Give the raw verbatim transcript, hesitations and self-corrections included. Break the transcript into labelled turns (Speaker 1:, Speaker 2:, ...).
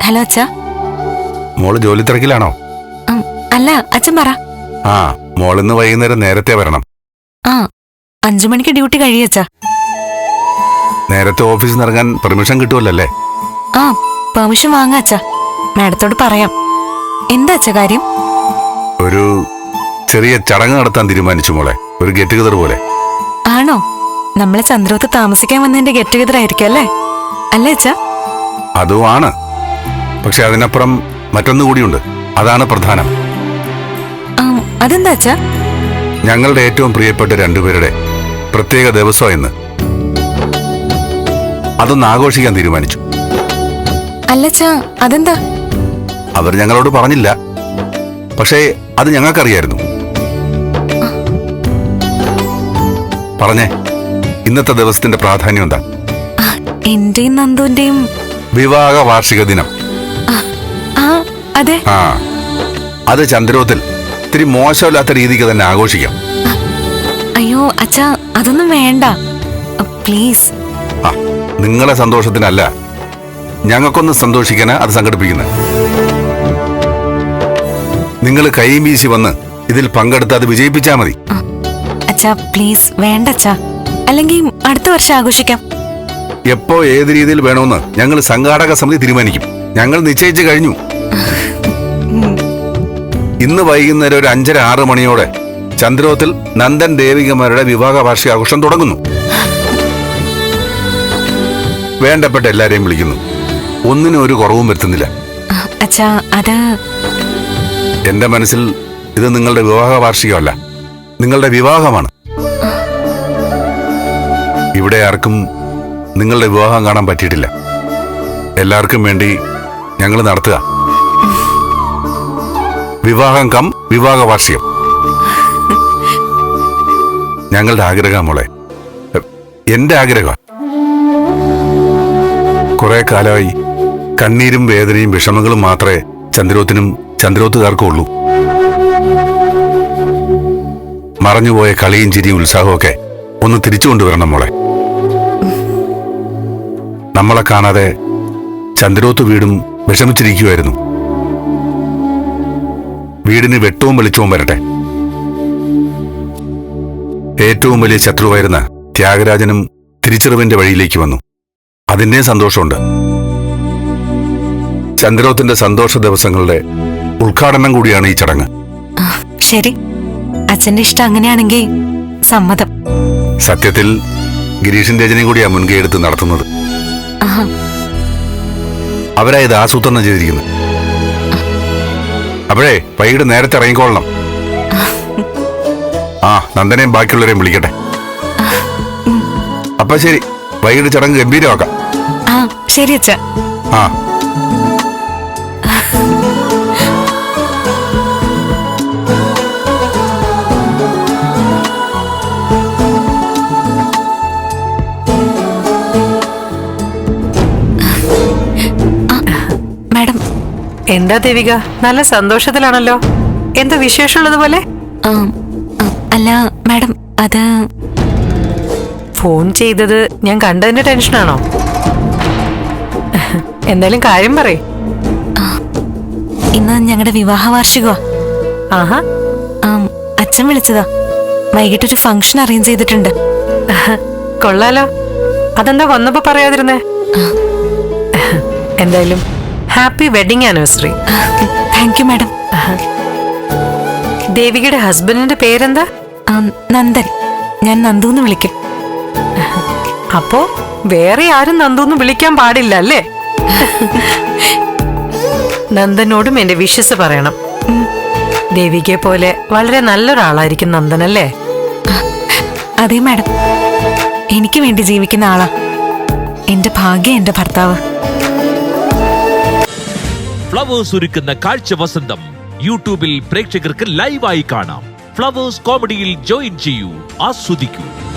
Speaker 1: Hello അച്ഛാ.
Speaker 2: മോള് ജോലി തിരക്കിലാണോ?
Speaker 1: അല്ല, അച്ഛൻ പറ.
Speaker 2: ആ, മോളിന്ന് വൈകുന്നേരം നേരത്തെ വരണം.
Speaker 1: ആ, അഞ്ചു മണിക്ക് ഡ്യൂട്ടി കഴിയച്ചാ.
Speaker 2: നേരത്തെ ഓഫീസിൽ നിന്ന് ഇറങ്ങാൻ പെർമിഷൻ കിട്ടുമല്ലേ?
Speaker 1: ആ, പെർമിഷൻ വാങ്ങാച്ചാ. മാഡത്തോട് പറയാം. എന്താ അച്ഛാ കാര്യം?
Speaker 2: ഒരു ചെറിയ ചടങ്ങ് നടത്താൻ തീരുമാനിച്ചു മോളെ, ഒരു ഗെറ്റ് ടുഗദർ പോലെ.
Speaker 1: ആണോ? നമ്മളെ ചന്ദ്രോത്ത് താമസിക്കാൻ വന്നതിന്റെ ഗെറ്റ് ടുഗദർ ആയിരിക്കും അല്ലേ? അല്ലേ അച്ഛാ?
Speaker 2: അതുമാണ്, പക്ഷെ അതിനപ്പുറം മറ്റൊന്നു കൂടിയുണ്ട്. അതാണ് പ്രധാനം.
Speaker 1: അതെന്താ അച്ഛാ?
Speaker 2: ഞങ്ങളുടെ ഏറ്റവും പ്രിയപ്പെട്ട രണ്ടുപേരുടെ പ്രത്യേക ദിവസം എന്ന് അതൊന്ന് ആഘോഷിക്കാൻ തീരുമാനിച്ചു.
Speaker 1: അല്ലച്ചാ, അതെന്താ?
Speaker 2: അവർ ഞങ്ങളോട് പറഞ്ഞില്ല, പക്ഷേ അത് ഞങ്ങൾക്കറിയായിരുന്നു. പറഞ്ഞേ, ഇന്നത്തെ ദിവസത്തിന്റെ പ്രാധാന്യം എന്താ?
Speaker 1: എന്റെയും നന്ദുവിന്റെയും
Speaker 2: വിവാഹ വാർഷിക ദിനം.
Speaker 1: അതെ.
Speaker 2: ആ, അത് ചന്ദ്രോത്തിൽ ഇത്തിരി മോശമില്ലാത്ത രീതിക്ക് തന്നെ ആഘോഷിക്കാം.
Speaker 1: അയ്യോ അച്ഛാ, അതൊന്നും വേണ്ട പ്ലീസ്.
Speaker 2: ആ, നിങ്ങളെ സന്തോഷത്തിനല്ല, ഞങ്ങൾക്കൊന്ന് സന്തോഷിക്കാനാ അത് സംഘടിപ്പിക്കുന്നത്. നിങ്ങൾ കൈയും വീശി വന്ന് ഇതിൽ പങ്കെടുത്ത് അത് വിജയിപ്പിച്ചാ മതി.
Speaker 1: അച്ഛാ പ്ലീസ്, വേണ്ട അച്ഛാ. അല്ലെങ്കിൽ അടുത്ത വർഷം ആഘോഷിക്കാം.
Speaker 2: എപ്പോ ഏത് രീതിയിൽ വേണമെന്ന് ഞങ്ങൾ സംഘാടക സമിതി തീരുമാനിക്കും. ഞങ്ങൾ നിശ്ചയിച്ചു കഴിഞ്ഞു. ഇന്ന് വൈകുന്നേരം ഒരു അഞ്ചര ആറ് മണിയോടെ ചന്ദ്രോത്തിൽ നന്ദൻ ദേവികമാരുടെ വിവാഹ വാർഷികാഘോഷം തുടങ്ങുന്നു. വേണ്ടപ്പെട്ട എല്ലാരെയും വിളിക്കുന്നു. ഒന്നിനും ഒരു കുറവും വരുത്തുന്നില്ല.
Speaker 1: അച്ഛാ, അത്
Speaker 2: എന്റെ മനസ്സിൽ ഇത് നിങ്ങളുടെ വിവാഹ വാർഷികമല്ല, നിങ്ങളുടെ വിവാഹമാണ്. ഇവിടെ ആർക്കും നിങ്ങളുടെ വിവാഹം കാണാൻ പറ്റിയിട്ടില്ല. എല്ലാവർക്കും വേണ്ടി ഞങ്ങൾ നടത്തുക വിവാഹം കം വിവാഹ വാർഷികം. ഞങ്ങളുടെ ആഗ്രഹം മോളെ, എന്റെ ആഗ്രഹം. കുറെ കാലമായി കണ്ണീരും വേദനയും വിഷമങ്ങളും മാത്രമേ ചന്ദ്രോത്തിനും ചന്ദ്രോത്തുകാർക്കും ഉള്ളൂ. മറഞ്ഞുപോയ കളിയും ചിരിയും ഉത്സാഹവും ഒക്കെ ഒന്ന് തിരിച്ചു കൊണ്ടുവരണം മോളെ. നമ്മളെ കാണാതെ ചന്ദ്രോത്ത് വീടും വിഷമിച്ചിരിക്കുമായിരുന്നു. വീടിന് വെട്ടവും വെളിച്ചവും വരട്ടെ. ഏറ്റവും വലിയ ശത്രുവായിരുന്ന ത്യാഗരാജനും തിരിച്ചറിവിന്റെ വഴിയിലേക്ക് വന്നു. അതിന്റെ സന്തോഷമുണ്ട്. ചന്ദ്രോത്തിന്റെ സന്തോഷ ദിവസങ്ങളുടെ ഉദ്ഘാടനം കൂടിയാണ് ഈ ചടങ്ങ്.
Speaker 1: ശരി, അച്ഛന്റെ ഇഷ്ടം അങ്ങനെയാണെങ്കിൽ സമ്മതം.
Speaker 2: സത്യത്തിൽ ഗിരീഷിന്റെ രചനയും കൂടിയാ മുൻകൈ എടുത്ത് നടത്തുന്നത്. അവരാ ഇത് ആസൂത്രണം ചെയ്തിരിക്കുന്നു. അപ്പോഴേ വൈകിട്ട് നേരത്തെ ഇറങ്ങിക്കൊള്ളണം. ആ, നന്ദനെയും ബാക്കിയുള്ളവരെയും വിളിക്കട്ടെ. അപ്പൊ ശരി, വൈകിട്ട് ചടങ്ങ് ഗംഭീരമാക്കാം.
Speaker 1: ആ ശരി അച്ഛാ.
Speaker 2: ആ,
Speaker 1: മാഡം.
Speaker 3: എന്താ ദേവിക, നല്ല സന്തോഷത്തിലാണല്ലോ. എന്താ വിശേഷമുള്ളതുപോലെ?
Speaker 1: അല്ല മാഡം, അത്
Speaker 3: ഫോൺ ചെയ്തത് ഞാൻ കണ്ടതിന്റെ ടെൻഷനാണോ? എന്തായാലും കാര്യം പറയ്.
Speaker 1: ഇന്ന് ഞങ്ങളുടെ വിവാഹ വാർഷികമാ.
Speaker 3: ആഹാ,
Speaker 1: അച്ഛൻ വിളിച്ചതാ. വൈകിട്ടൊരു ഫംഗ്ഷൻ അറേഞ്ച് ചെയ്തിട്ടുണ്ട്.
Speaker 3: കൊള്ളാലോ. അതെന്താ വന്നപ്പോ പറയാതിരുന്നേ? എന്തായാലും happy wedding anniversary.
Speaker 1: Thank you madam.
Speaker 3: ദേവികയുടെ ഹസ്ബൻഡിന്റെ പേരെന്താ?
Speaker 1: നന്ദൻ. ഞാൻ നന്ദൂന്ന് വിളിക്കും.
Speaker 3: അപ്പോ വേറെ ആരും നന്ദൂന്ന് വിളിക്കാൻ പാടില്ല അല്ലേ? നന്ദനോടും എന്റെ വിശ്വസ് പറയണം. ദേവികയെ പോലെ വളരെ നല്ലൊരാളായിരിക്കും നന്ദൻ അല്ലേ?
Speaker 1: അതെ മാഡം, എനിക്ക് വേണ്ടി ജീവിക്കുന്ന ആളാ എന്റെ ഭാഗ്യം, എന്റെ ഭർത്താവ്.
Speaker 4: ഫ്ലവേഴ്സ് ഒരുക്കുന്ന കാഴ്ച വസന്തം യൂട്യൂബിൽ പ്രേക്ഷകർക്ക് ലൈവായി കാണാം. ഫ്ലവേഴ്സ് കോമഡിയിൽ ജോയിൻ ചെയ്യൂ, ആസ്വദിക്കൂ.